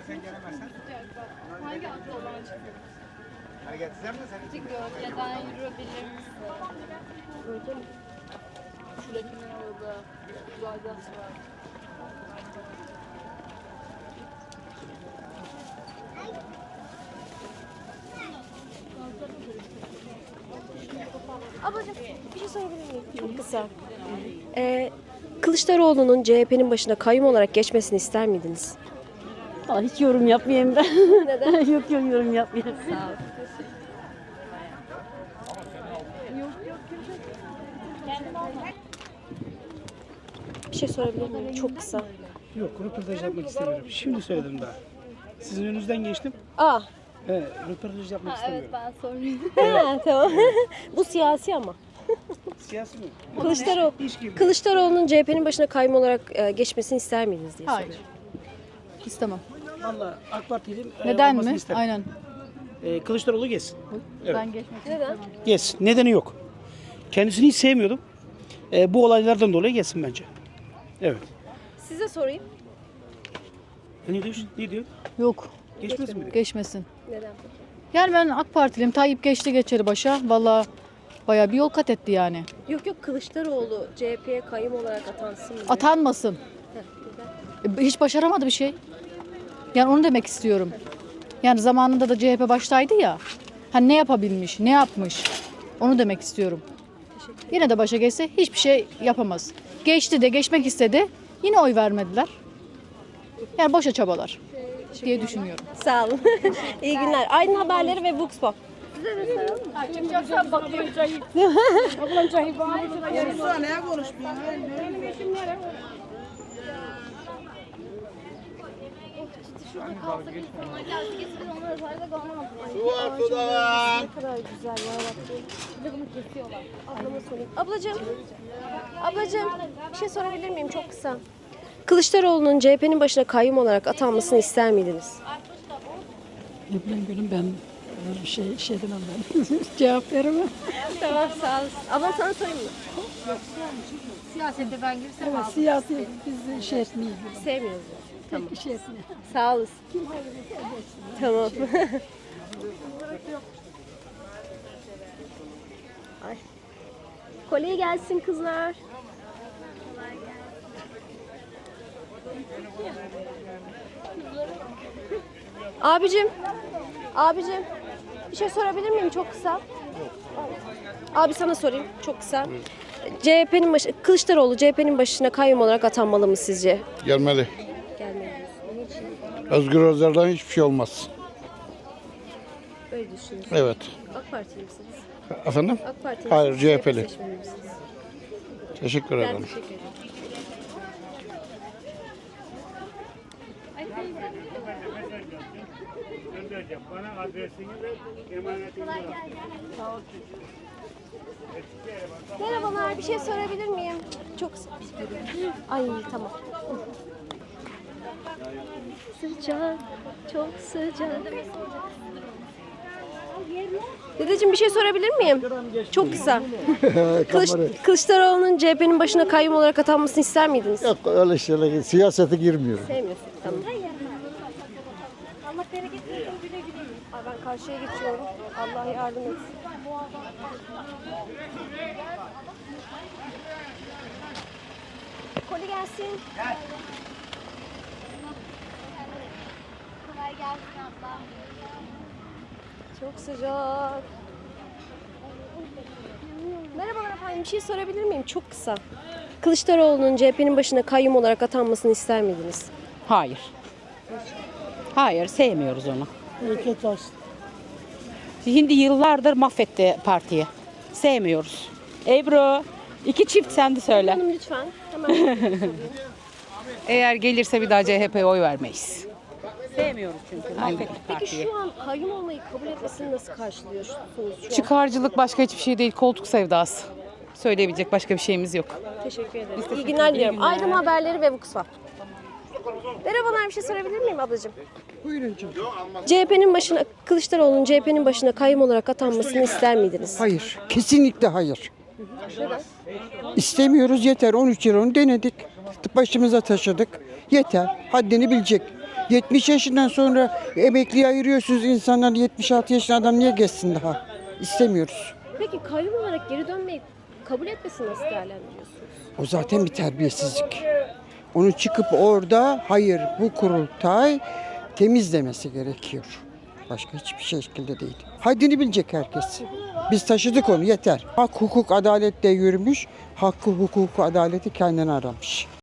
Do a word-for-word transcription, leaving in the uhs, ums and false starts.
sen gelemezsen. Hangi aklı olan çıkıyor? Hareket eder mi sen? Gölgeden yürüyebilir misin? Öyle mi? Şuradakinin orada Zaydas var. Ablacığım bir şey sorabilir miyim? Çok kısa. Ee, Kılıçdaroğlu'nun C H P'nin başına kayyum olarak geçmesini ister miydiniz? Aa, hiç yorum yapmayayım ben. Neden? yok yok yorum yapmayayım. Sağ ol. Bir şey sorabilir miyim? Çok kısa. Yok, röportaj yapmak istemiyorum. Şimdi söyledim daha. Sizin önünüzden geçtim. Aa, Evet, röportaj yapmak istemiyorum. Ben sorayım. ha, tamam. Bu siyasi ama. Siyasi mi? Kılıçdaroğlu, İş gibi. Kılıçdaroğlu'nun C H P'nin başına kayyum olarak e, geçmesini ister miydiniz diye Hayır. soruyorum. İstemem. Valla AK Parti'nin e, Neden olmasını mi? isterim. Aynen. E, Kılıçdaroğlu geçsin. Evet. Ben geçmek Neden? Geçsin. Nedeni yok. Kendisini hiç sevmiyordum. E, bu olaylardan dolayı geçsin bence. Evet. Size sorayım. E, ne diyorsun? Ne diyor? Yok. Geçmez mi? Geçmesin. Neden peki? Yani ben AK Partiliyim. Tayyip geçti geçeri başa. Valla bayağı bir yol kat etti yani. Yok yok, Kılıçdaroğlu C H P'ye kayyum olarak atansın mı? Atanmasın. Heh, neden? E, Hiç başaramadı bir şey. Yani onu demek istiyorum. Yani zamanında da C H P baştaydı ya. Hani ne yapabilmiş, ne yapmış? Onu demek istiyorum. Yine de başa geçse hiçbir şey yapamaz. Geçti de geçmek istedi. Yine oy vermediler. Yani boşa çabalar diye düşünüyorum. Sağ olun. İyi günler. Aydın Haberleri ve Vox. Su var suda var. Ne kadar güzel ya Rabbim. Bir de bunu kesiyorlar. Ablama sorayım. Ablacığım. Ablacığım bir şey sorabilir miyim çok kısa? Kılıçdaroğlu'nun C H P'nin başına kayyum olarak atanmasını ister miydiniz? Ne bileyim gülüm ben öyle bir şey şey demem ben. Cevap veremem. Tamam sağ olasın. Ablam sana sorayım mı? Siyasete ben girsem Evet, siyasi biz şey etmeyiz. Sevmiyoruz. Tamam. Pek şey etmeyiz. Sağ olasın. Tamam. Ay. Kolye gelsin kızlar. Abicim. Abicim. Bir şey sorabilir miyim çok kısa? Abi sana sorayım çok kısa. C H P'nin başı, Kılıçdaroğlu C H P'nin başına kayyum olarak atanmalı mı sizce? Gelmeli. Gelmeli diyorsun. Niçin? Özgür Özel'den hiçbir şey olmaz. Öyle düşünüyorsun. Evet. AK Partili misiniz? Efendim? AK Partili Hayır, misiniz? C H P'li. seçmeni misiniz? Teşekkür Ben ederim. teşekkür ederim. Bana adresini ve emanetini ver. Merhabalar, bir şey sorabilir miyim? Çok Ay tamam. Sıcak, çok sıcak. Dedeciğim bir şey sorabilir miyim? Çok kısa. Kılıç, Kılıçdaroğlu'nun C H P'nin başına kayyum olarak atanmasını ister miydiniz? Yok öyle şeyler, siyasete girmiyorum. Sevmiyorsun. Tamam. Allah bereket versin, güle güle. Ay ben karşıya geçiyorum. Allah yardım etsin. Koli gelsin. kolay gelsin abla. Çok sıcak. Merhabalar efendim. Bir şey sorabilir miyim? Çok kısa. Kılıçdaroğlu'nun C H P'nin başına kayyum olarak atanmasını ister miydiniz? Hayır. Hayır sevmiyoruz onu. Bereket olsun. Şimdi yıllardır mahvetti partiyi. Sevmiyoruz. Ebru iki çift sen de söyle. Hanım lütfen. Hemen. Eğer gelirse bir daha C H P'ye oy vermeyiz. Sevmiyoruz çünkü mahvetti Peki partiyi. şu an kayyum olmayı kabul etmesini nasıl karşılıyorsunuz şu an? Çıkarcılık başka hiçbir şey değil. Koltuk sevdası. Söyleyebilecek başka bir şeyimiz yok. Teşekkür ederim. İyi günler diliyorum. Aydın Haberleri ve Vuxfa. Merhabalar, bir şey sorabilir miyim ablacığım? Buyurun canım. C H P'nin başına, Kılıçdaroğlu'nun C H P'nin başına kayyum olarak atanmasını ister miydiniz? Hayır. Kesinlikle hayır. İstemiyoruz yeter. on üç yıl onu denedik. Başımıza taşıdık. Yeter. Haddini bilecek. yetmiş yaşından sonra emekliye ayırıyorsunuz insanlar. yetmiş altı yaşında adam niye geçsin daha? İstemiyoruz. Peki kayyum olarak geri dönmeyi kabul etmesini nasıl değerlendiriyorsunuz? O zaten bir terbiyesizlik. Onu çıkıp orada hayır bu kurultay temizlemesi gerekiyor. Başka hiçbir şekilde değil. Haddini bilecek herkes. Biz taşıdık onu yeter. Hak, hukuk, adalet de yürümüş. Hakkı, hukuku, adaleti kendine aramış.